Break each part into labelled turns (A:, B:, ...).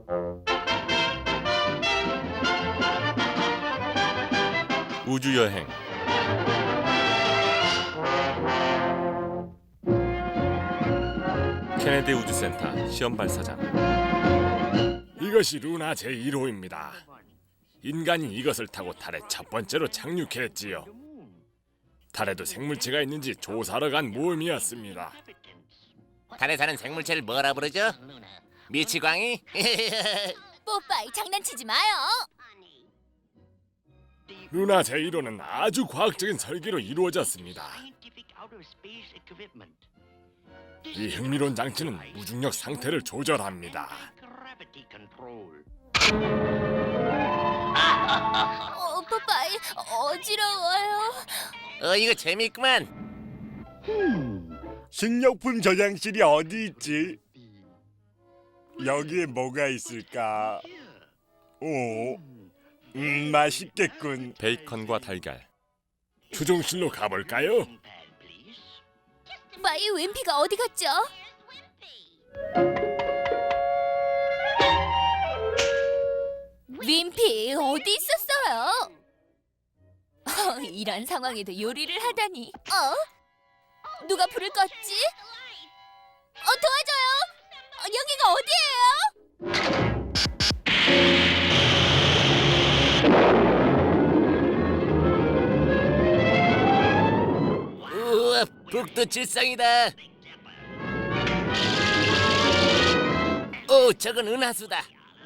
A: 우주여행. 케네디 우주센터 시험 발사장.
B: 이것이 루나 제1호입니다. 인간이 이것을 타고 달에 첫 번째로 착륙했지요. 달에도 생물체가 있는지 조사하러 간 모험이었습니다.
C: 달에 사는 생물체를 뭐라 부르죠? 미치광이?
D: 뽀빠이 장난치지 마요.
B: 루나 제1호는 아주 과학적인 설계로 이루어졌습니다. 이 흥미로운 장치는 무중력 상태를 조절합니다.
D: 뽀빠이 어지러워요.
C: 이거 재밌구만.
E: 식료품 저장실이 어디 있지? 여기에 뭐가 있을까? 맛있겠군.
A: 베이컨과 달걀.
B: 추종실로 가볼까요?
D: 빠이 윈피가 어디 갔죠? 윈피 어디 있었어요? 이런 상황에도 요리를 하다니. 누가 불을 껐지? 도와줘요. 여기가 어디예요?
C: 우와, 북두 칠성이다. 오, 저건 은하수다.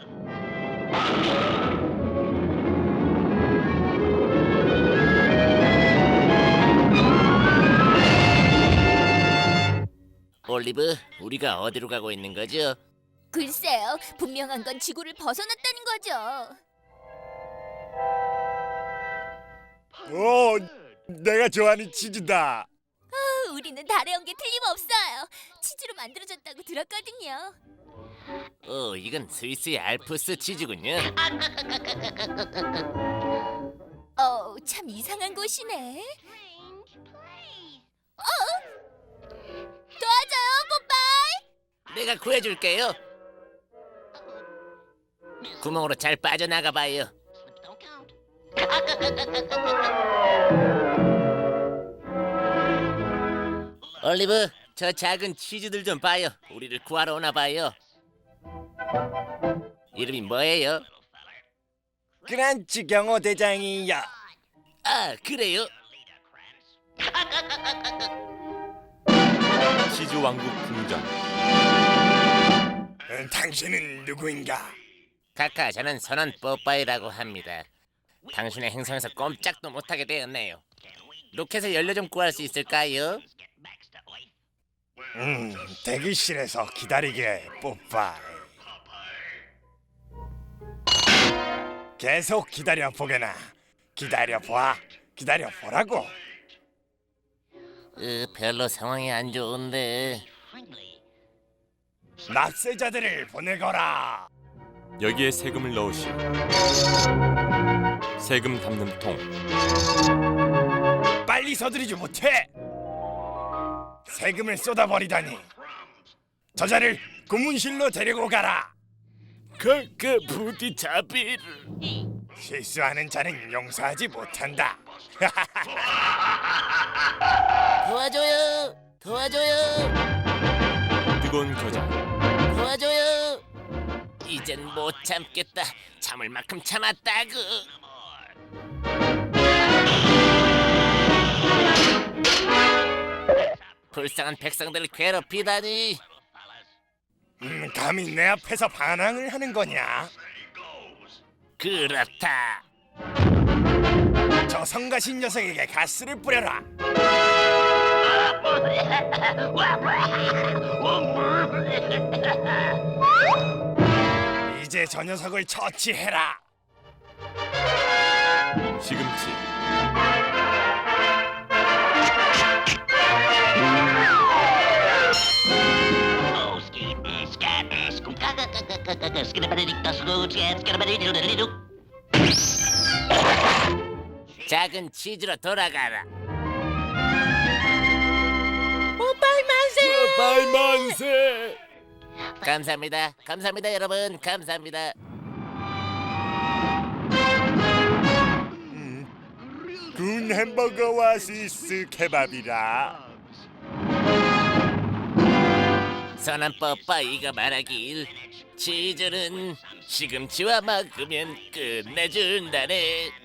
C: 올리브, 우리가 어디로 가고 있는 거죠?
D: 글쎄요, 분명한 건 지구를 벗어났다는 거죠.
E: 내가 좋아하는 치즈다.
D: 우리는 달에 온 게 틀림없어요. 치즈로 만들어졌다고 들었거든요.
C: 이건 스위스의 알프스 치즈군요.
D: 참 이상한 곳이네. 도와줘요, 뽀빠이.
C: 내가 구해줄게요. 구멍으로 잘 빠져나가 봐요. 올리브, 저 작은 치즈들 좀 봐요. 우리를 구하러 오나 봐요. 이름이 뭐예요?
E: 크란치 경호 대장이야.
C: 아, 그래요?
A: 치즈 왕국 궁전.
E: 당신은 누구인가?
C: 카카, 저는 선원 뽀빠이라고 합니다. 당신의 행성에서 꼼짝도 못하게 되었네요. 로켓을 연료 좀 구할 수 있을까요?
E: 대기실에서 기다리게, 뽀빠이. 계속 기다려보게나. 기다려보라고.
C: 별로 상황이 안 좋은데.
E: 납세자들을 보내거라.
A: 여기에 세금을 넣으시. 세금 담는 통.
E: 빨리 서두르지 못해. 세금을 쏟아버리다니. 저자를 고문실로 데리고 가라.
B: 부디 자비를.
E: 실수하는 자는 용서하지 못한다.
C: 도와줘요.
A: 뜨거운 겨자.
C: 도와줘요. 이젠 못 참겠다. 참을 만큼 참았다구. 불쌍한 백성들을 괴롭히다니.
E: 감히 내 앞에서 반항을 하는 거냐?
C: 그렇다.
E: 저 성가신 녀석에게 가스를 뿌려라. 이제 저 녀석을 처치해라.
A: 시금치.
C: 작은 치즈로 돌아가라.
B: 빨만세.
C: 감사합니다. 감사합니다, 여러분. 감사합니다.
E: 군 햄버거와 스위스 케밥이라.
C: 선한 뽀빠이가 말하길 치즈는 시금치와 먹으면 끝내준다네.